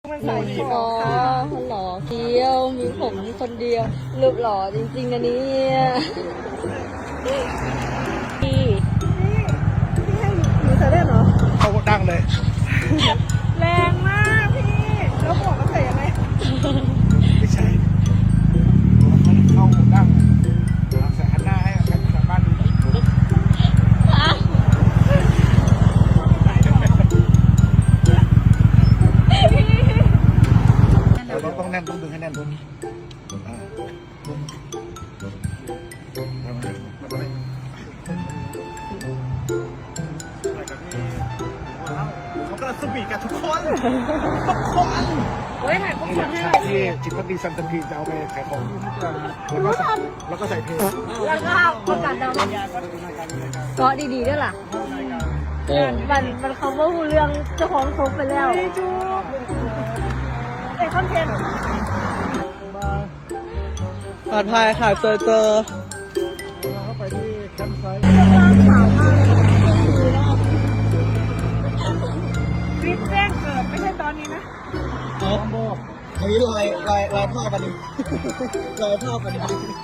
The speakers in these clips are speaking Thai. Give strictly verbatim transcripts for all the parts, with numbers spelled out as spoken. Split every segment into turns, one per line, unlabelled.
หนูอ๋อหล่อเที่ยวมีผมคนเดียวรูปหล่อจริงๆนะเนี่ยพี่พี่ให้หนูใส่ได้เหรอ
เขาดังเลย
แรงมากพี่แล้วหมวกมันใส่ยังไง
ไม่ใช่เข้าดังใส่หันหน้าให้กันชาวบ้านดูเราต้องแน่นต้องดึงให้แน่นตรงนี้เขากำลังสวีทกันทุกคนทุกคนเฮ้ยถ่ายพวกฉันให้ที่จิตพักดีซันตันทีจะเอาไปขายของแล้วก็แล้วก็ใส่เพลง
แล้วก็ประกาศดาวก็ดีๆด้วยล่ะมันมันเขาว่าเรื่องเจ้าของครบไปแล้วไอ้คอนเทนต์
ปลอดภัยค่ะเจอเจอ
เข้าไปที่แคมป์ไซต์
ขาวมากคลิปแจ้งเกิดไม่ใช่ตอนนี้นะ
อ๋ออันนี้ลอยลอยลอยท่อกันดิลอยท่อกันดิ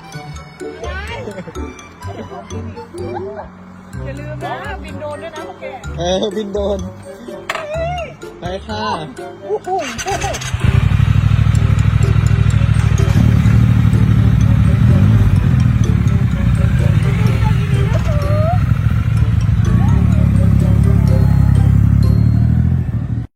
อย่าลืมนะบินโดนด้วยนะพวกแก
เออบินโดนไปค่ะ
โอ้โห